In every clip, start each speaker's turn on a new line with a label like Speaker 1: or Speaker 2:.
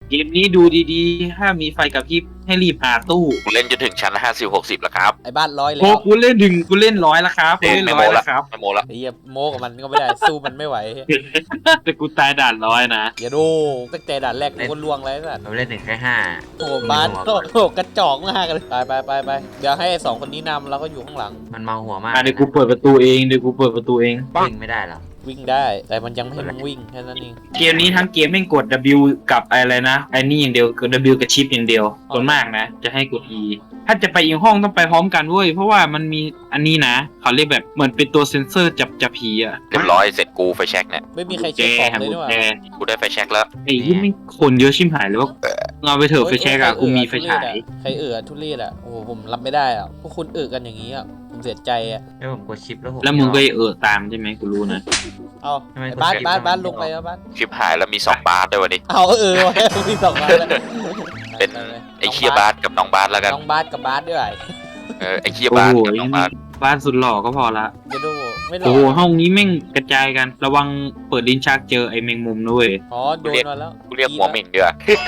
Speaker 1: เกมนี้ดูดีๆถ้ามีไฟกระพริบให้รีบหาตู้
Speaker 2: กูเล่นจนถึงชั้น50-60แล้วครับ
Speaker 3: ไอ้บ้านร้อยแล้
Speaker 1: โอ้
Speaker 3: ว
Speaker 1: กูเล่นถึงกูเล่น100แล้วครับกูเล่น
Speaker 2: ไม่
Speaker 1: ร้
Speaker 2: โม
Speaker 1: อย
Speaker 2: ละ
Speaker 1: แล้วครับ
Speaker 2: ไม่โมละ
Speaker 3: ไอ้เหี้ยโมกับมันก็ไม่ได้สู้มันไม่ไหว
Speaker 1: แต่กูตายด่าน100นะ
Speaker 3: อย่าดูตั้งแต่ด่านแรกกูก็ล่วงแล้วสัตว์
Speaker 4: เราเล่นถึงแค่ห้า
Speaker 3: โอ้โหบ้านโอ้โหกระจอกมากเลยไปเดี๋ยวให้ไอ้2คนนี้นำแล้วก็อยู่ข้างหลัง
Speaker 4: มันเมาหัวมาก
Speaker 1: เดี๋ยวกูเปิดประตูเอง
Speaker 4: วิ่งไม่ได้หรอ
Speaker 3: วิ่งได้แต่มันยังไม่ให้มึงวิ่งแค่นั้นเอง
Speaker 1: เกมนี้ทั้งเกมไม่งกด W กับอะไรนะไอ้นี่อย่างเดียวกด W กับชิปอย่างเดียวส่วนมากนะจะให้กด E ถ้าจะไปอีกห้องต้องไปพร้อมกันเว้ยเพราะว่ามันมีอันนี้นะเขาเรียกแบบเหมือนเป็นตัวเซ็นเซอร์จับผีอ่ะ
Speaker 2: เรียบร้อยเสร็จกูไฟแช็กเนี่ย
Speaker 3: ไม่มีใคร
Speaker 1: แจ
Speaker 3: เช็คของ
Speaker 1: หา
Speaker 3: เลย
Speaker 1: กุ
Speaker 3: ด้
Speaker 1: ญ
Speaker 3: วย
Speaker 1: แจ
Speaker 2: กูได้ไฟแช็กแล้ว
Speaker 1: ไอ้ยี่ไม่งคนเยอะชิมหายเลยว่าเอาไปเถอะไฟแช็กอะกูมีไฟฉาย
Speaker 3: ใครทุเรศอ่ะโอ้โหผมรับไม่ได้อ่ะพวกคุณกันอย่างนี้อ่ะผมเสียใจอ่ะ
Speaker 4: แล้วผมกดชิปแล้วผม
Speaker 1: แล้วมึงก็ตามใช่ไหมกูรู้นะ
Speaker 3: เอาบ้านลงไปแล้วบ้าน
Speaker 2: ชิปหายแล้วมี2บาสด้วยวันนี้
Speaker 3: เอาวะมี2บาทแล้ว
Speaker 2: เป็นไอ้เคียบาสกับน้องบาสแล้วกัน
Speaker 3: น้องบาสกับบาสด้วย
Speaker 2: ไอ้เคีย
Speaker 1: โอ้
Speaker 2: บาส
Speaker 1: โห
Speaker 2: กับน้องบาส
Speaker 1: บ้านสุดหล่อก็พอละ
Speaker 3: จะดูไม่หลอ
Speaker 1: โอ้โห
Speaker 3: ก
Speaker 1: ห้องนี้แม่งกระจายกันระวังเปิดลิ้นชักเจอไอ้แมงมุมด้วย
Speaker 3: อ๋อโดนมาแล้ว
Speaker 2: กูเรียกหัวเหม่งเดือ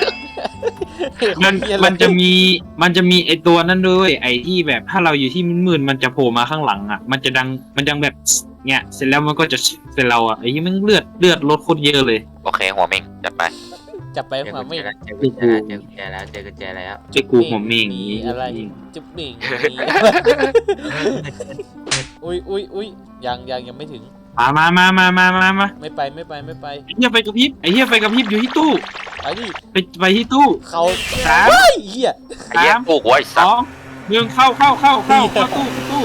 Speaker 1: มันจะมีไอ้ตัวนั้นด้วยไอ้ที่แบบถ้าเราอยู่ที่มืดๆมันจะโผล่มาข้างหลังอ่ะมันจะดังแบบเนี่ยเสร็จแล้วมันก็จะเสร็จเราอ่ะไอ้ยี่มันเลือดลดโคตรเยอะเลย
Speaker 2: โอเคหัวเหม่งจัดไป
Speaker 3: จับไป
Speaker 4: เจอ
Speaker 3: มา
Speaker 4: กุญ
Speaker 3: ไม่
Speaker 4: แจแล้วเจอกุญแจแล้วเจอกุญแจแล้ว
Speaker 1: เจ้ากูหัวเมง
Speaker 3: มี
Speaker 1: นี้
Speaker 3: อะไรจุ๊บหนิงอุ้ยยังไม่ถึง
Speaker 1: มา
Speaker 3: ไม่ไป
Speaker 1: ไอ้เหี้ยไฟกระพริบอยู่ที่ตู้
Speaker 3: ไอ้นี่
Speaker 1: ไปที่ตู้
Speaker 3: เขา
Speaker 1: สาม
Speaker 3: เฮ้ยเหี้ย
Speaker 2: ไอ้เหี้ยปลูกไว้
Speaker 1: ส
Speaker 2: สัต
Speaker 1: อ
Speaker 2: ว์
Speaker 1: งหนึ่งเข้าตู้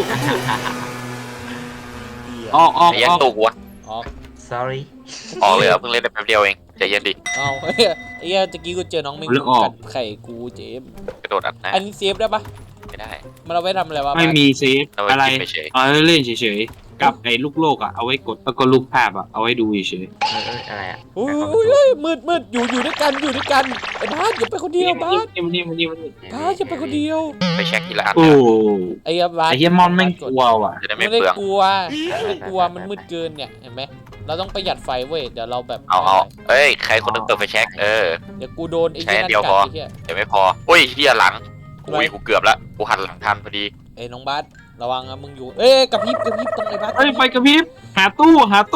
Speaker 1: ออก
Speaker 2: ไอ้เหี้ยตูกวะ
Speaker 3: ออก
Speaker 4: sorry
Speaker 2: ออกเลยเหรอเพิ่งเล่นได้แป๊บเดียวเองใจเย็นดิ
Speaker 3: เอาไอ้เหี้ยตะกี้กูเจอน้องแมงมุมกัดไข่กูเจม
Speaker 2: กระโดดอัดหน้า
Speaker 3: อันนี้เซฟได้ปะ
Speaker 2: ไม่ได้
Speaker 3: มันเอาไว้ทำอะไรวะ
Speaker 1: ไม่มีเซฟ
Speaker 2: เอาไว้
Speaker 1: อะไร
Speaker 2: กินเฉย
Speaker 1: เอาไว้เล่นเฉยๆกับไอ้ลูกโลกอ่ะเอาไว้กดแล้วก็ลูกภาพอ่ะเอาไว้ดูเฉย
Speaker 4: อะไรอ่ะ
Speaker 3: อุ้ยมืดอยู่ด้วยกันไอ้บ้านอย่าไปคนเดียวบ้าน
Speaker 1: นี่
Speaker 3: บ้านอย่าไปคนเดียว
Speaker 2: ไปเช็คทีละอัน
Speaker 1: โอ้
Speaker 3: ไอ้บ้าน
Speaker 1: ไอ้เหี้ยมอนแม่งกลัวว่ะ
Speaker 2: จะได้ไม่
Speaker 3: ไม่ได้
Speaker 2: เปลือง
Speaker 3: กลัวมันมืดเกินเนี่ยเห็นไหมเราต้องประหยัดไฟเว้ยเดี๋ยวเราแบบ
Speaker 2: เอาเอ้ยใครคนนึงเปิดไฟแช็ก
Speaker 3: เดี๋ยวกูโดนไอ้
Speaker 2: ใช้
Speaker 3: เหี้ย
Speaker 2: อั
Speaker 3: นั่
Speaker 2: นเดียวน พ
Speaker 3: กั
Speaker 2: อ
Speaker 3: ดไอ้เหี้ย
Speaker 2: เดี๋ยวไม่พออุ้ยเฮียหลังอุ้ยกูเกือบละกูหันหลังทันพอดี
Speaker 3: ไอ้น้องบาสระวังนะมึงอยู่กับพริบตรงไอ้บาส
Speaker 1: เฮ้ยไฟกระพริบหาตู้
Speaker 4: หาย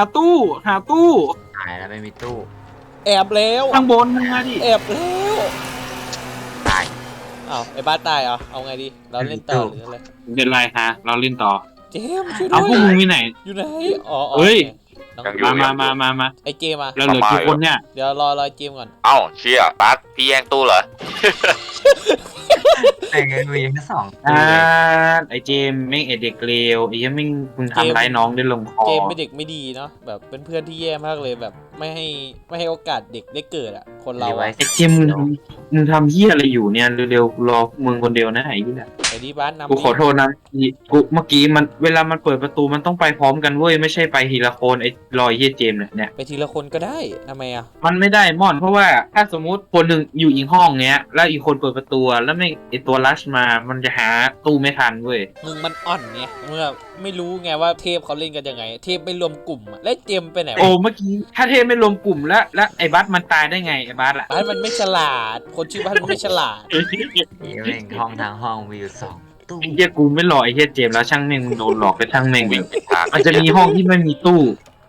Speaker 4: แล้วไม่มีตู้
Speaker 3: แอบแล้ว
Speaker 1: ข้างบนมึงมาดิ
Speaker 3: แอบแล้ว
Speaker 4: ตาย
Speaker 3: อ้าวไอ้บาสตายเหรอเอาไงดีเราเล่นต่อหรืออะไร
Speaker 1: เป็นไรฮะเราเล่นต่อ
Speaker 3: เจมส์ช่วย
Speaker 1: เอา
Speaker 3: ด้
Speaker 1: พวก
Speaker 3: ว
Speaker 1: มึง
Speaker 3: ย
Speaker 1: มีไหน
Speaker 3: อยู่ไหนอ๋อ
Speaker 1: เฮ้ย
Speaker 3: น้อง
Speaker 2: ยังอยู่
Speaker 1: มา
Speaker 3: ไอ้เจมส์มา
Speaker 1: เราเหลือกี่คนเนี่ย
Speaker 3: เดี๋ยวรอเจมส์ก่อน
Speaker 2: เอ้าเชี่ยบัสพี่แย่งตู้เหรอ
Speaker 4: แต่เงินมีแค่2
Speaker 1: อ่าไอ้เจมแม่งไอเด็กเลวไอ้ยังไม่มึงทำร้ายน้องได้ลงคอ
Speaker 3: เจมส์เป็นเด็กไม่ดีเนาะแบบเป็นเพื่อนที่แย่มากเลยแบบไม่ให้โอกาสเด็กได้เกิดอ่ะคนเราอะ
Speaker 1: ไอ้เจมมึงทำเหี้ยอะไรอยู่เนี่ยเร็วๆกูรอมึงคนเดียวนะไอ้เหี้ย
Speaker 3: ไอ้ดีบาสนำ
Speaker 1: กูขอโทษนะกูเมื่อกี้มันเวลามันเปิดประตูมันต้องไปพร้อมกันเว้ยไม่ใช่ไปทีละคนไอ้รอยเหี้ยเจมเนี่ย
Speaker 3: ไปทีละคนก็ได้ทำไมอ่ะ
Speaker 1: มันไม่ได้ม่อนเพราะว่าถ้าสมมุติคนหนึ่งอยู่อีกห้องเนี้ยแล้วอีกคนเปิดประตูแล้วไม่ไอตัวลัชมามันจะหาตู้ไม่ทันเว้ย
Speaker 3: มึงมันอ่อนไงมึงอะไม่รู้ไงว่าเทพเขาเล่นกันยังไง เทพไม่รวมกลุ่มอะแล้วเจมส์ไปไหน
Speaker 1: โอ้
Speaker 3: วะ
Speaker 1: เมื่อกี้ถ้าเทพไม่รวมกลุ่มแล้วไอ้บัสมันตายได้ไงไอ้บัสอะ
Speaker 3: บ้านมันไม่ฉลาด คนชื่อบ้านมันไม่ฉลาด
Speaker 4: นี่แม่งห้องทางห้องมีอยู่2 ตู้
Speaker 1: ไอ้เหี้ยกูไม่หลอกไอ้เหี้ยเจมส์แล้วช่างแม่งมึงโดนหลอกไปช่างแม่ง
Speaker 2: วิ่งไปทาง
Speaker 1: มันจะมีห้องที่ไม่มีตู้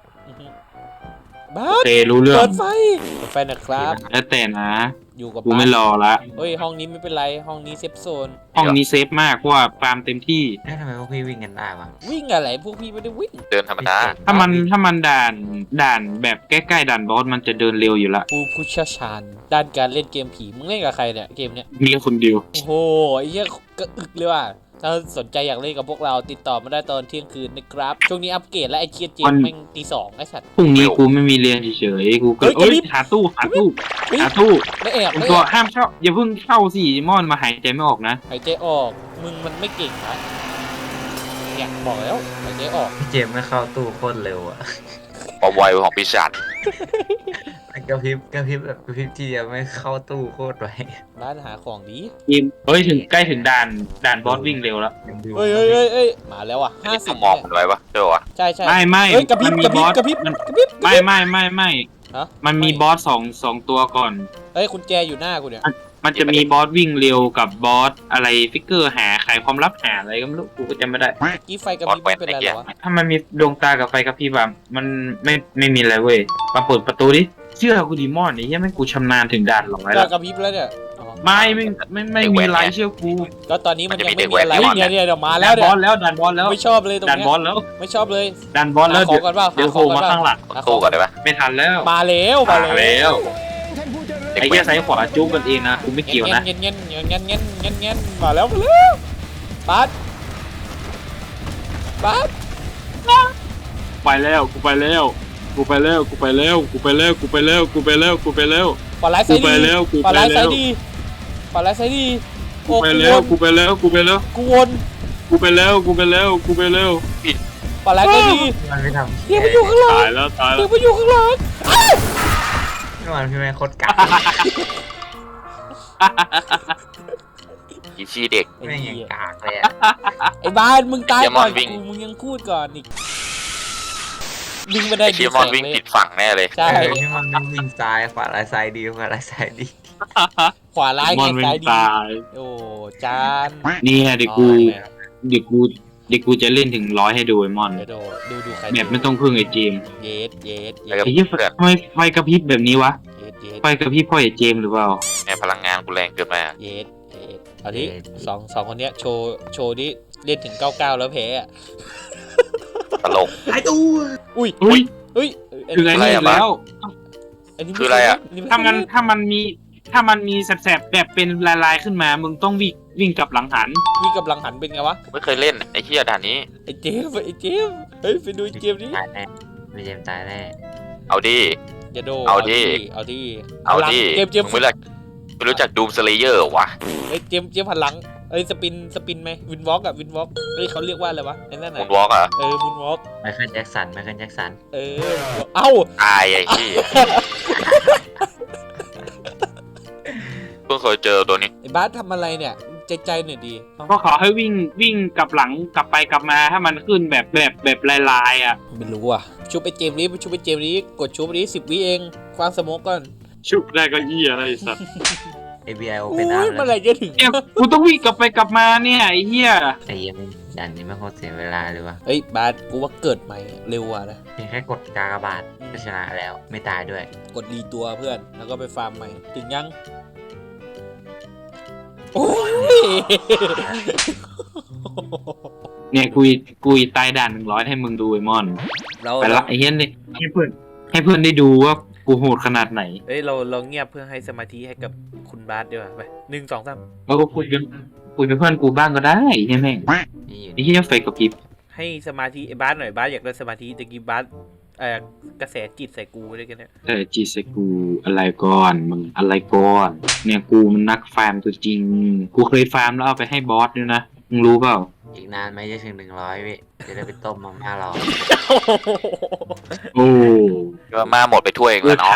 Speaker 3: บ้า
Speaker 1: โอน เครู้เรื่อ
Speaker 3: เปิ
Speaker 1: ง
Speaker 3: ดไฟนะครับ
Speaker 1: แล้วแต่นะ
Speaker 3: อยู่กับ
Speaker 1: กู
Speaker 3: บ้า
Speaker 1: ไม่
Speaker 3: น
Speaker 1: รอละ
Speaker 3: เฮ้ยห้องนี้ไม่เป็นไรห้องนี้เซฟโซน
Speaker 1: ห้องนี้เซฟมากเพราะว่าฟาร์มเต็มที่
Speaker 4: แล้วทำไมพวกพี่วิ่งกันได้วะ
Speaker 3: วิ่งอะไรพวกพี่ไม่ได้วิ่ง
Speaker 2: เดินธรรมดา
Speaker 1: ถ้ามันด่านแบบใกล้ๆด่านบอสมันจะเดินเร็วอยู่ละ
Speaker 3: ผู้เชี่ยวชาญด้านการเล่นเกมผีมึงเล่นกับใครเนี่ยเกมเนี้ย
Speaker 1: มีคนเดียว
Speaker 3: โอ้โหไอ้เหี้ยก็อึกเลยว่ะถ้าสนใจอยากเล่นกับพวกเราติดต่อมาได้ตอนเที่ยงคืนนะครับช่วงนี้อัปเกรดและไอ้เคียเจมแม่งตี 2ไอ้สัตว์
Speaker 1: พรุ่งนี้กูไม่มีเรียนเฉยๆกูก็
Speaker 3: เฮ้ย
Speaker 1: เอ้ยหาตู้
Speaker 3: เฮ้ย
Speaker 1: หาตู้
Speaker 3: ไม่แอบ
Speaker 1: มึง
Speaker 3: ไม่
Speaker 1: ตัว
Speaker 3: แอบ
Speaker 1: ห้ามเข้าอย่าเพิ่งเข้าสิม่อนมาหายใจไม่ออกนะ
Speaker 3: หายใจออกมึงมันไม่เก่งนะเนี่ยบอกแล้วหายใจออก
Speaker 4: พี่เจมไม่เข้าตู้โคตรเร็วอ่ะ
Speaker 2: ความไวของปีศาจ
Speaker 4: กระพริบแบบกระพริบทีเดียวไม่เข้าตู้โคตรไว
Speaker 3: ร้านหาของดี
Speaker 1: ทีมเฮ้ยถึงใกล้ถึงด่านบอสวิ่งเร็วแล้ว
Speaker 3: เอ้ยมาแล้วอ่ะ
Speaker 2: นี่ต้องมองมันไว้ปะเจ้าวะ
Speaker 3: ใช่
Speaker 1: ไม่
Speaker 3: เฮ้ยกระพริบ
Speaker 1: มันมี
Speaker 3: กระพริบบ
Speaker 1: อส
Speaker 3: กระพริบ
Speaker 1: มัน
Speaker 3: กระพริบ
Speaker 1: ไม่
Speaker 3: ฮะ
Speaker 1: มันมีบอสสองตัวก่อน
Speaker 3: เฮ้ยคุณแจอยู่หน้ากูเนี่ย
Speaker 1: มันจะมีบอสวิ่งเร็วกับบอสอะไรฟิกเกอร์หาไขความลับหาอะไรก็ไม่รู้กูก็จำไม่ได้
Speaker 3: กี้ไฟกระพริบไม่เป็นไรเหรอวะ
Speaker 1: ถ้ามันมีดวงตากับไฟกระพริบแบบมันไม่มีอะไรเว้ยมาเปิดประตูดิเชื่อกูดิมอนนี่ยังไม่กูชำนาญถึงด่าน100
Speaker 3: ก็
Speaker 1: แล้ว
Speaker 3: กระพริบแล้วเนี่ยอ๋อ
Speaker 1: ไม่มีอะไรเชื่อกู
Speaker 3: ก็ตอนนี้มันยังไม่มีอะไรเนี่ยเดี๋ยวมาแล้
Speaker 1: ด่า
Speaker 3: วน เนี่ย
Speaker 1: บอสแล้วด่านบอสแล้ว
Speaker 3: ไม่ชอบเลยตรง
Speaker 1: ด่าน
Speaker 3: เนี้
Speaker 1: บอสแล้ว
Speaker 3: ไม่ชอบเลย
Speaker 1: ด่านบอสแล้ว
Speaker 3: หาของก่อนเปล่า
Speaker 1: เดี๋ยว
Speaker 3: หาข
Speaker 1: โผ
Speaker 3: อง
Speaker 1: ล่
Speaker 3: ก่อน
Speaker 1: มา
Speaker 3: เปล่า
Speaker 1: ข้างหลัง
Speaker 2: ตู้ก่อนได้ปะ
Speaker 1: ไม่ทันแล้ว
Speaker 3: มาแล้วมาแล้ว
Speaker 2: เด็ก
Speaker 1: ไอ้
Speaker 2: เว้
Speaker 1: เหี้ย
Speaker 2: น
Speaker 1: ซ้ายขวาจุ๊บกันเองนะกูไม่เกี่ยวนะ
Speaker 3: เงี้ยเงี้ยเงี้ยเงี้ยเงี้ยเงี้ยมาแล้วบัส
Speaker 1: ไปแล้วกูไปแล้วกูไปแล้วกูไปแล้วกูไปแล้วกูไปแล้วกูไปแล้วกูไปแล้ว
Speaker 3: ปลาไหลไซ
Speaker 1: กูไป
Speaker 3: ดี
Speaker 1: แล้วกู
Speaker 3: ปลา
Speaker 1: ไป
Speaker 3: ไหลไซ
Speaker 1: แล้ว
Speaker 3: ดีปลาไหลไซดีโอ้
Speaker 1: กูไปแล้วกูไปแล้วกูไปแล้ว
Speaker 3: กูวน
Speaker 1: กูไปแล้วกูไปแล้วกูไปแล้ว
Speaker 3: ปลาไหลไซดี
Speaker 4: มันไม่ทำ
Speaker 3: เดี๋ยวไปอยู่ข้างหลัง
Speaker 1: ตายแล้วตายแล้
Speaker 3: เดี๋ยว
Speaker 1: ว
Speaker 3: ไปอยู่ข้างหลัง
Speaker 4: เมื่อวานพี่แม่งโคตรกาก
Speaker 2: อีชีเด็ก
Speaker 4: แม่งยังกากเลยอะ
Speaker 3: ไอ้บ้านมึงตายก่อน
Speaker 2: เดี๋ยวมันวิ่ง
Speaker 3: กูมึงยังพูดก่อนอีกวิ่งไม่ได้
Speaker 2: ไอ้
Speaker 3: ดี
Speaker 2: ชี
Speaker 3: แส
Speaker 2: มอน
Speaker 3: ง
Speaker 2: วิ่ง
Speaker 3: เล
Speaker 2: ผิ
Speaker 3: ย
Speaker 2: ดฝั่งแน่เลย
Speaker 3: ใช่
Speaker 4: พี่มันไม่วิ่งซ้ายขวาลายซ้ายดีขวาลายซ้ายดี
Speaker 3: ขวาร้าย
Speaker 1: มอน
Speaker 3: ไง
Speaker 1: เป็น
Speaker 3: ซ้ายดี
Speaker 1: ตาย
Speaker 3: โอ้จาน
Speaker 1: เนี่ยเดี๋ยวกูเดี๋ยวกูจะเล่นถึง100ให้ดูไอ้มอน
Speaker 3: เดี๋ยวดูใคร
Speaker 1: แบบไม่ต้องพึ่งไอ้เจมส์
Speaker 3: เยสเยสเย
Speaker 2: แล้วก็
Speaker 3: ส
Speaker 1: ไอ้เหี้ยทำไมไฟกระพริบแบบนี้วะ
Speaker 3: เยสเยส
Speaker 1: ไฟกระพริบพ่อไอ้เจมส์หรือเปล่า
Speaker 2: แม่พลังงานกูแรงเกินไปอะ
Speaker 3: เยสเยสเอาดิสองคนเนี้ยโชว์ดิเล่นถึง99แล้วแพ้อะ
Speaker 2: ตลก
Speaker 4: ไอ้ตู้
Speaker 3: อุ้ย
Speaker 1: อุ้ย
Speaker 3: เฮ้ย
Speaker 1: คือไงนี่
Speaker 2: อะไรอะ
Speaker 1: แล้ว
Speaker 3: อันนี้
Speaker 2: คืออะไรอะ
Speaker 3: ม่
Speaker 1: ถ้ามันมีแสบๆแบบเป็นลายๆขึ้นมา มึงต้องวิ่งกลับหลังหัน
Speaker 3: วิ่งกับหลังหันเป็นไงวะ
Speaker 2: ไม่เคยเล่นไอ้เหี้ยด่านนี้
Speaker 3: ไอ้เจมส์เฮ้ยไปดูเจมส์ดิ
Speaker 4: ตายแน่ไม่เจมตายแน่
Speaker 2: เอาดิ
Speaker 3: อย่าโด
Speaker 2: เอาดิ
Speaker 3: เอาดิ
Speaker 2: เอาดิ
Speaker 3: เจมส์
Speaker 2: มึงไม่รู้จักดูมสเลเยอร์วะ
Speaker 3: เฮ้ยเจมส์หันหลังเอ้ยสปินไหมวินวอล์กอะวินวอล์กเฮ้ยเขาเรียกว่าอะไรวะไอ้นั่น
Speaker 2: มู
Speaker 3: น่ะ
Speaker 2: นวอล์กอะ
Speaker 3: มูนวอล์ก
Speaker 4: ไมเคิลแจ็คสันไมเคิลแจ็คสัน
Speaker 3: เอ้า
Speaker 2: ตายไอ้เหี้ยเพิ่งเคยเจอตัวนี้
Speaker 3: ไอ้บาสทำอะไรเนี่ยใจหน่อยดี
Speaker 1: ก็ขอให้วิ่งกลับหลังกลับไปกลับมาถ้ามันขึ้นแบบลายๆอ่ะ
Speaker 3: ไม่รู้อ่ะชุบไปเจมส์นี้ชุบไปเจมส์นี้กดชุบนี้10 วิเองควางสโมกก่อน
Speaker 1: ชุบได้ก็เหี้ยอะไรสัตว์
Speaker 4: FBI โอ
Speaker 3: โอ้
Speaker 4: เปนอาร์
Speaker 3: ยเมื่อไหร่จะถึง
Speaker 1: เนี่ยกูต้องวิ่งกลับไปกลับมาเนี่ยไอ้เหี้ย
Speaker 4: ไอ้เหี้ยังดันนี้ไม่โคตรเสียเวลาเลยวะ
Speaker 3: เฮ้ยบาสกูว่าเกิดใหม่เร็วอ่ะนะ
Speaker 4: เพียงแค่กดกากบาทก็ชนะแล้วไม่ตายด้วย
Speaker 3: กดรีตัวเพื่อนแล้วก็ไปฟาร์มใหม่ถึงยังโอ้ย
Speaker 1: เนี่ยกูตายด่าน100ให้มึงดูไอ้มอน
Speaker 3: เรา
Speaker 1: ไปละไอ้เหี้ยนี่ให้เพื่อนได้ดูว่ากูโหดขนาดไหน
Speaker 3: เอ้ยเราเงียบเพื่อให้สมาธิให้กับคุณบาสดีกว่าไป1 2 3
Speaker 1: แล้วก็คุยเป็นเพื่อนกูบ้างก็ได้ไอ้เหี้ยแม่ง
Speaker 4: นี่อยู่
Speaker 1: ไอ้เหี้ยไฟกระพริบ
Speaker 3: ให้สมาธิไอ้บาสหน่อยบาสอยากได้สมาธิตะกี้บาสกระแสจิตใส่กูด้วยกันเนี่ย
Speaker 1: แต่จีสกูอะไรก่อนมึงอะไรก่อนเนี่ยกูมันนักฟาร์มตัวจริง กูเคยฟาร์มแล้วเอาไปให้บอสด้วยนะมึงรู้เปล่า
Speaker 4: อีกนานไหมจะถึง100วิจะได้ไปต้มมาม่ารอ
Speaker 1: โอ้
Speaker 2: ก็มาหมดไปถ้วยเอง
Speaker 1: เอ
Speaker 2: แล้
Speaker 1: อ
Speaker 2: วเนาะ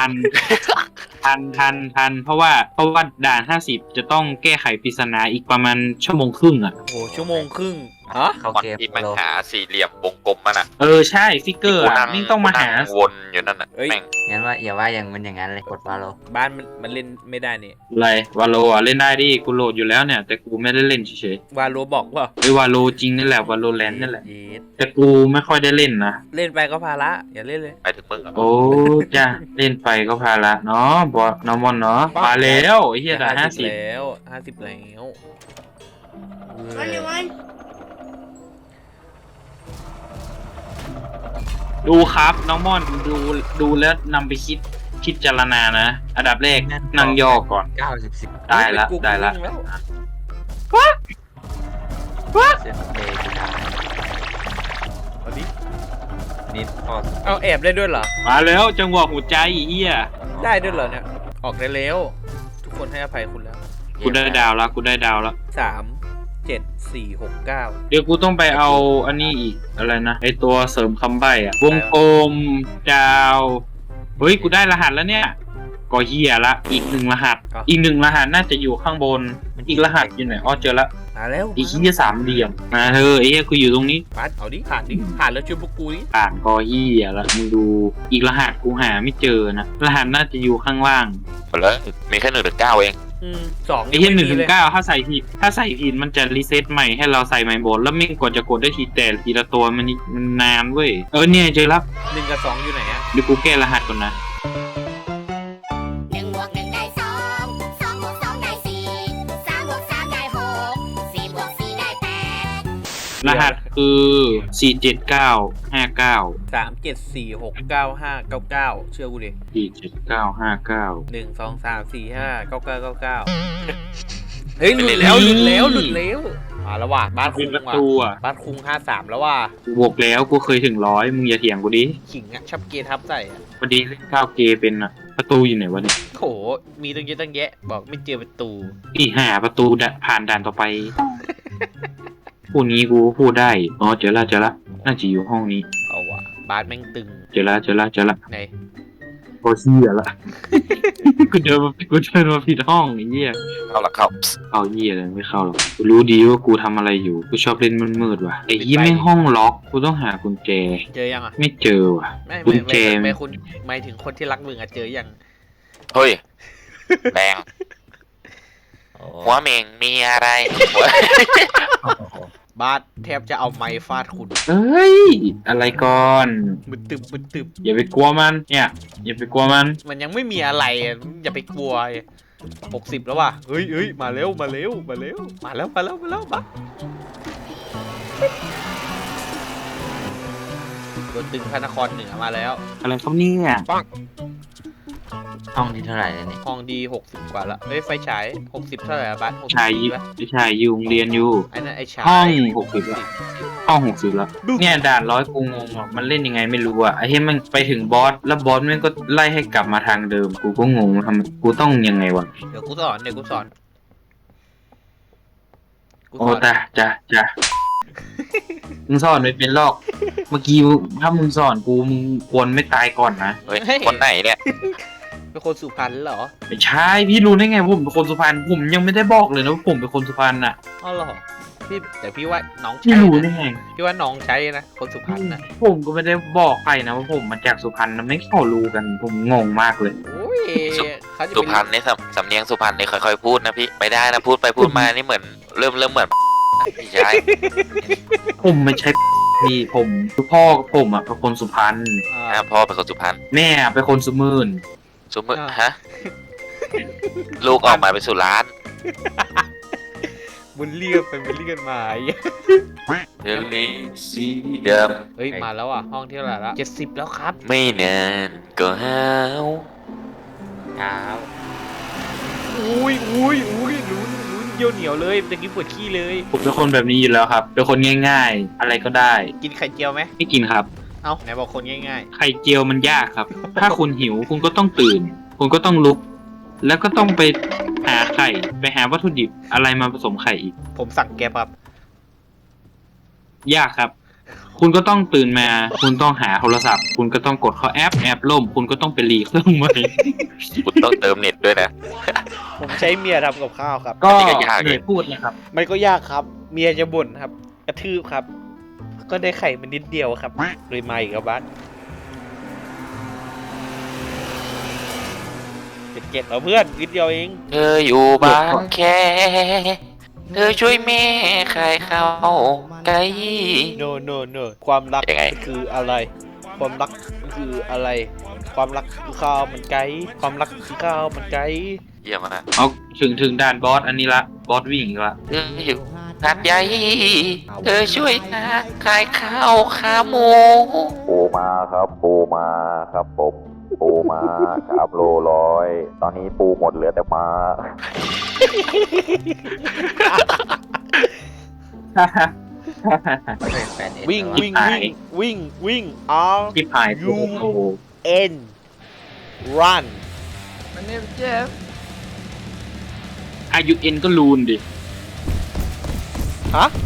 Speaker 1: ทันเพราะว่าด่าน50จะต้องแก้ไขปริศนาอีกประมาณชั่วโมงครึ่งอ่ะ
Speaker 3: โอ้โหชั่วโมงครึ่งฮะ
Speaker 4: เข้า
Speaker 2: ก่อน
Speaker 4: เกม
Speaker 2: ที่มัน
Speaker 4: โล
Speaker 2: หาสี่เหลี่ยมวงกลมมันอะ
Speaker 1: เออใช่ฟิกเกอร์อ่ะนี่ต้องมาหา
Speaker 2: นั่งวนอยู่นั่นอะแม่ง
Speaker 4: งั้นว่าอย่าว่าอย่างมันอย่างนั้นเลยกดวาโล
Speaker 3: บ้านมันเล่นไม่ได้นี่
Speaker 1: อะไรวาโลอ่ะเล่นได้ดิกูโหลดอยู่แล้วเนี่ย แต่กูไม่ได้เล่นเฉยว
Speaker 3: าโลบอกว่า
Speaker 1: ๆไอ้วาโลจริงนั่นแหละวาโลแลนด์นั่นแหละ
Speaker 3: เย็ด
Speaker 1: แต่กูไม่ค่อยได้เล่นนะ
Speaker 3: เล่นไปก็ภาระอย่าเล่นเลย
Speaker 2: ไปถึงมึงอะ
Speaker 1: โอ้จ้าเล่นไปก็พาละเนาะบอสน้องมอนเนาะมาแล้วไอ้เหี้ยด่าน50
Speaker 3: แล้ว50แล้วเว้ย
Speaker 1: ดูครับน้องม่อนดูแล้วนำไปคิดพิจารณานะอันดับแรกนั่งย่อก่อน
Speaker 4: 90
Speaker 1: ได้ละ
Speaker 3: กู
Speaker 1: ได้ละ
Speaker 3: วิ่งแล้ว
Speaker 4: เซฟเบย์สุดท้าย
Speaker 3: เอาดิ
Speaker 4: นิดพอ
Speaker 3: เอาแอบได้ด้วยเหรอ
Speaker 1: มาแล้วจังหวะหัวใจไอ้เหี้ย
Speaker 3: ได้ด้วยเหรอเนี่ยออกได้แล้วทุกคนให้อภัยคุณแล้ว
Speaker 1: กูได้ดาวแล้วกูได้ดาวแล้ว
Speaker 3: 3 7 4 6 9
Speaker 1: เดี๋ยวกูต้องไปเอาอันนี้อีกอะไรนะไอตัวเสริมคำใบ้อะวงกลมดาวเฮ้ยกูได้รหัสแล้วเนี่ยก็เหี้ยละอีก1 รหัส อีก1 รหัสน่าจะอยู่ข้างบนอีกรหัสอยู่ไหนอ๋อเจอละ
Speaker 3: มาแล้ว
Speaker 1: ไอ้เหี้ยสามเหลี่ยมมาเถอะไอ้เหี้ยกูอยู่ตรงนี้
Speaker 3: บัสเอาดิผ่านดิผ่านแล้วช่วยพวกกูดิ
Speaker 1: อ่านกอเหี้ยแล้วมึงดูอีกรหัสกูหาไม่เจอนะรหัสน่าจะอยู่ข้างล่าง
Speaker 2: หมดแล้วมีแค่1 ถึง 9เอง
Speaker 3: 2
Speaker 1: ไอ้เหี้ย1 ถึง 9ถ้าใส่ผิดมันจะรีเซ็ตใหม่ให้เราใส่ใหม่หมดแล้วไม่กว่าจะกดได้ทีละตัวมันนานเว้ยเนี่ยเจอแล้ว
Speaker 3: 1 กับ 2อยู่ไหนอะ
Speaker 1: เดี๋ยวกูแก้รหัสก่อนนะ
Speaker 5: 1+1 ได้2 2+2 ได้4 3+3 ได้6 4+4 ได้8
Speaker 1: รหัสคือ47959
Speaker 3: 3 7 4 6 9 5 9 9เชื่อกูดิ
Speaker 1: 47959
Speaker 3: 1 2 3 4 5 9 9 9 9เฮ้ยหลุดแล้วมาแล้วว่ะบ้านคุ
Speaker 1: เป็น
Speaker 3: ง
Speaker 1: ประ
Speaker 3: ว่ะ
Speaker 1: ตูอ่ะ
Speaker 3: บ้านคุง53แล้วว่ะ
Speaker 1: กูบอกแล้วกูเคยถึง100มึงอย่าเถียงกูดิ
Speaker 3: ขิงอะชอบเกทับใส่อะ
Speaker 1: พอดีเล่นข้าวเกเป็นอ่ะประตูอยู่ไหนวะเนี่ย
Speaker 3: โหมีตั้งเยอะตั้งแยะบอกไม่เจอประตู
Speaker 1: อีหาประตูผ่านด่านต่อไปพูดงี้กูพูดได้อ๋อเจอละน่าจะอยู่ห้องนี้
Speaker 3: เอาว่ะบ้านแม่งตึง
Speaker 1: เจอละ
Speaker 3: ไหน
Speaker 1: โอเชี่ยละ กูเดินมาผิดห้องไอ้เหี้ย
Speaker 2: เข้าหลักเข้า
Speaker 1: เอาเหี้ยอะไรไม่เข้าหรอกกูรู้ดีว่ากูทำอะไรอยู่กูชอบเล่นมืดๆว่ะไอ้เหี้ยไม่งห้องล็อกกูต้องหากุญแจ
Speaker 3: เจอยังอ่ะ
Speaker 1: ไม่เจอว่ะ
Speaker 3: ไม่
Speaker 1: กุญแจ
Speaker 3: ไม่คุณหมายถึงคนที่รักมึงอะเจอยัง
Speaker 2: เฮ้ยแดงหัวเมงมีอะไรหัว
Speaker 3: บาสแทบจะเอาไม้ฟาดคุณ
Speaker 1: เอ้ยอะไรก่อน
Speaker 3: มึนตึบ
Speaker 1: อย่าไปกลัวมันเนี่ยอย่าไปกลัวมัน
Speaker 3: มันยังไม่มีอะไรอะอย่าไปกลัว60แล้วว่ะเฮ้ยมาเร็วมาแล้วบาสตัวตึงพระนครเหนือมาแล้ว
Speaker 1: อะไรครับเนี่ย
Speaker 4: ห้องนี้เท่าไหร่แล้วนี่
Speaker 3: ห้องดี60กว่าละเฮ้ยไฟฉาย60เท่าไหร่อะบัส
Speaker 1: ชาย
Speaker 3: 60ปะ
Speaker 1: ไม่ใช่อยู่โรงเรียนอยู่
Speaker 3: ไอ้นั่นไอ้ฉาย
Speaker 1: ห้อง60แล้วห้อง60แล้วเนี่ยด่าน100กูงงอ่ะมันเล่นยังไงไม่รู้อ่ะไอ้เฮ้ยมันไปถึงบอสแล้วบอสมันก็ไล่ให้กลับมาทางเดิมกูก็งงทำกูต้องยังไงวะ
Speaker 3: เดี๋ยวกูสอน
Speaker 1: โอ้จ้ะมึงสอนไม่เป็นหรอกเมื่อกี้ถ้ามึงสอนกูมึงควรไม่ตายก่อนนะ
Speaker 2: เฮ้ยคนไหนเนี่ย
Speaker 3: เป็นคนสุพรรณเหรอ
Speaker 1: ไม่ใช่พี่รู้ได้ไงว่าผมเป็นคนสุพรรณผมยังไม่ได้บอกเลยนะว่าผมเป็นคนสุพรรณอ่ะ
Speaker 3: อ๋อเหรอพี่แต่พี่ว่าน้อง
Speaker 1: พี่
Speaker 3: ใช่
Speaker 1: รู้
Speaker 3: นะ
Speaker 1: ได้ไง
Speaker 3: พี่ว่าน้องใช้นะคนสุพรรณนะ
Speaker 1: ผมก็ไม่ได้บอกใครนะว่าผมมาจากสุพรรณนะไม่เข้ารู้กันผมงงมากเลย
Speaker 3: โอ้ยเขาจะ
Speaker 2: สุ
Speaker 3: เป็น
Speaker 2: พรรณนี่สำเนียงสุพรรณนี่ค่อยๆพูดนะพี่ไม่ได้นะพูดไปพูดมานี่เหมือนเริ่มเหมือนไม่ใช่
Speaker 1: ผมไม่ใช่พี่ผมคือพ่อผมอ่ะเป็นคนสุพรรณ
Speaker 2: พ่อเป็นคนสุพรรณ
Speaker 1: แม่เป็นคนสุมื่น
Speaker 2: สุมือฮะลูกออกมาเป็นสุราน
Speaker 3: บุญเรียกไปบุญเรียกมาไอ้
Speaker 2: เรื่องนี้สีเดิม
Speaker 3: เฮ้ยมาแล้วอ่ะห้องที่เท่าไหร่ละ70แล้วครับ
Speaker 2: ไม่นานก็หาว
Speaker 3: เช้าอุ้ยลุ้นเยี่ยวเหนียวเลยตะกี้ปวดขี้เลย
Speaker 1: ผมเป็นคนแบบนี้อยู่แล้วครับเป็นคนง่ายๆ อะไรก็ได้
Speaker 3: กินไข่เจียวไหม
Speaker 1: ไม่กินครับ
Speaker 3: เอ้าไหนบอกคนง่าย
Speaker 1: ไข่เจียวมันยากครับ ถ้าคุณหิวคุณก็ต้องตื่น คุณก็ต้องลุก แล้วก็ต้องไปหาไข่ไปหาวัตถุดิบอะไรมาผสมไข่อีก
Speaker 3: ๆผมสั่งแก๊บครับ
Speaker 1: ยากครับ คุณก็ต้องตื่นมา คุณต้องหาโทรศัพท์ คุณก็ต้องกดเข้าแอปล่ม คุณก็ต้องไปรีเครื่องใหม่
Speaker 2: คุณต้องเติมเน็ตด้วยนะ
Speaker 3: ผมใช้เมียทำกับข้าวครับ
Speaker 1: ก็
Speaker 2: อันนี้ก็ยาก
Speaker 1: เหนื่อยพูดนะครับ
Speaker 3: มันก็ยากครับ เมียจะบ่นครับ กระทืบครับ ก็ได้ไข่มันนิดเดียวครับเลยมาอีกครับบัสเจ็ดเอาเพื่อนนิดเดียวเอง
Speaker 2: เธออยู่บางแคเธอช่วยแม่ขายข้าวไก่
Speaker 3: โนความรัก
Speaker 2: ยังไง
Speaker 3: คืออะไร ความรักคืออะไร ความรักคือข้าวมันไก่ความรักคือข้าวมันไก่
Speaker 2: เยี่ยมมาก
Speaker 1: เอาถึงด่านบอสอันนี้ละบอสวิ่งอีกละ
Speaker 2: เธออยู่หาดใหญ่เธอช่วยนะขายข้าวขาหมูปูมาครับปูมาครับผมปูมาครับโลร้อยตอนนี้ปูหมดเหลือแต่มา
Speaker 3: วิ่ง R
Speaker 1: ที่พายโอ้โห
Speaker 3: N run
Speaker 1: อายุเอ็นก็ลูนดิ
Speaker 3: ฮะ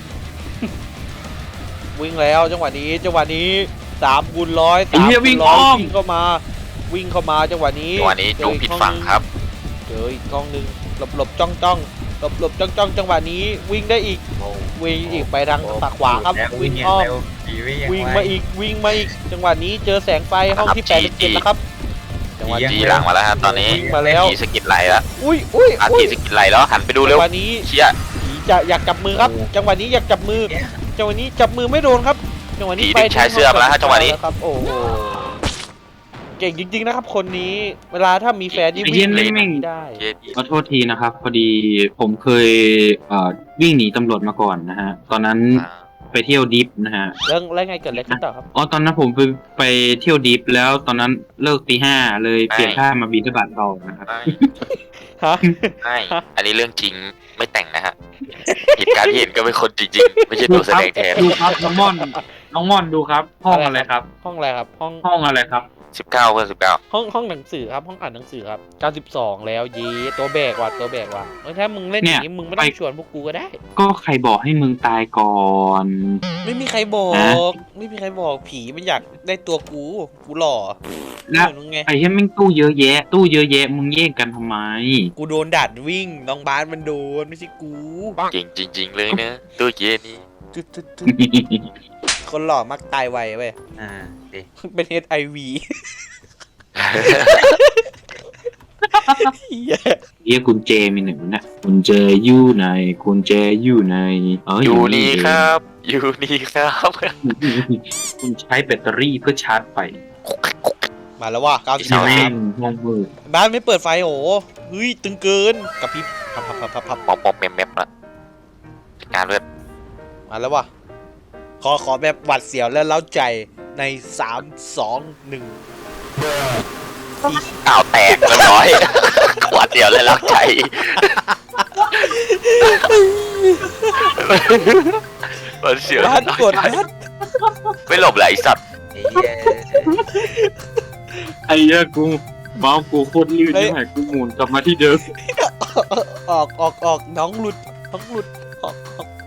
Speaker 3: วิ่งแล้วจังหวะนี้3 คูณ 100
Speaker 1: ไอ้เหี้ยวิ่งอ้อม
Speaker 3: วิ่งเข้ามาจังหวะนี้
Speaker 2: จังหวะนี้จุ๊บผิดฝั่งครับ
Speaker 3: เจออีกกล้องหนึ่งหลบจ้องหลบจ้องจังหวะนี้วิ่งได้อีกวิ่งอีกไปทางฝั่งขวาครับวิ่งอ้อมวิ่งมาอีกจังหวะนี้เจอแสงไฟห้องที่87แล้วครับจังหวะ
Speaker 2: จีหลังมาแล้วครับตอนนี้
Speaker 3: วิ่งมาแล้ว
Speaker 2: จีสกิดไหลแล้ว
Speaker 3: อุ้ย
Speaker 2: จีสกิดไหลแล้วหันไปดู
Speaker 3: จั
Speaker 2: เร็
Speaker 3: ง
Speaker 2: ว
Speaker 3: หวะนี้
Speaker 2: เชี่ย
Speaker 3: ผีจะอยากจับมือครับ จังหวะนี้อยากจับมือ จังหวะนี้จับมือไม่โดนครับ จังหวะนี้
Speaker 2: ผีดึงชายเสื้อมาแล้วฮะจังหวะนี้
Speaker 3: ครับ โอ้โหเก่งจริงๆนะครับคนนี้ เวลาถ้ามีแฟนนี่
Speaker 1: ไอ้เหี้
Speaker 3: วิ่
Speaker 1: ย
Speaker 3: ง
Speaker 1: นี่
Speaker 3: เล่น
Speaker 1: แม่ง
Speaker 3: ได้
Speaker 1: ขอโทษทีนะครับ พอดีผมเคยวิ่งหนีตำรวจมาก่อนนะฮะ ตอนนั้นไปเที่ยวดิฟนะฮะ
Speaker 3: แล้วไงเกิดอะไรขึ้นต่อครับ
Speaker 1: อ๋อตอนนั้นผมไปเที่ยวดิฟแล้วตอนนั้นเลิกตี 5เลยเปลี่ยนท่ามาบินทบาทต่อนะครับ
Speaker 3: ฮะ
Speaker 2: ไม่อันนี้เรื่องจริงไม่แต่งนะฮะเหตุการณ์ที่เห็นก็เป็นคนจริงๆไม่ใช่ตัวแสดงแทน
Speaker 1: ดูครับน้องม่อนดูครับ ห้องอะไรครับ
Speaker 3: ห้องอะไรครับ ห้อง
Speaker 1: ห้องอะไรครับ
Speaker 2: 19 เพื่อน19
Speaker 3: ห้องหนังสือครับ ห้องอ่านหนังสือครับ 92 แล้วเย้ตัวแบกว่ะถ้ามึงเล่นอย่างนี้มึงไม่ต้องชวนพวกกูก็ได้
Speaker 1: ก็ใครบอกให้มึงตายก่อน
Speaker 3: ไม่มีใครบอก
Speaker 1: ฮะ
Speaker 3: ไม่มีใครบอกผีมันอยากได้ตัวกูหล่อ
Speaker 1: แล้ว
Speaker 3: เหมือนมึงไง
Speaker 1: ไอ้เหี้ยแม่งตู้เยอะแยะมึงแย่งกันทำไม
Speaker 3: กูโดนดัดวิ่งน้องบาสมันโดนไม่ใช่กู
Speaker 2: เก่งจริง ๆ เลยนะตัวเย็นนี่
Speaker 3: จุดคนหล่อมักตายไวเว้ย
Speaker 4: ดิ
Speaker 3: เป็น HIV เหี้ย
Speaker 1: เรียกกุญแจมีหนึ่งนะกุญแจอยู่ไหนกุญแจอยู่ไหน
Speaker 2: อยู่นี่ครับอยู่นี่ครับ
Speaker 1: คุณใช้แบตเตอรี่เพื่อชาร์จไฟ
Speaker 3: มาแล้วว่ะ
Speaker 2: อีกสอง
Speaker 1: แม่
Speaker 3: 93
Speaker 1: งห้องมืด
Speaker 3: บ้านไม่เปิดไฟโหเฮ้ยตึงเกินกับพี่พับ
Speaker 2: ปอมแมมละจัดการเลือด
Speaker 3: มาแล้วว่ะขอแบบหวัดเสียวและเล้าใจใน3 2 1
Speaker 2: อ้าวแตกเรียบร้อยหวาดเดียวเลยรักใจมันเสียว
Speaker 3: บ้านกดบ้าน
Speaker 2: ไม่หลบเลยไอ้สัตว์
Speaker 4: ไอ้เหี้ย
Speaker 1: ไอ้เหี้ยกูเมาส์กูโคตรลื่นที่ไหนกูหมุนกลับมาที่เดิม
Speaker 3: ออกน้องหลุดออก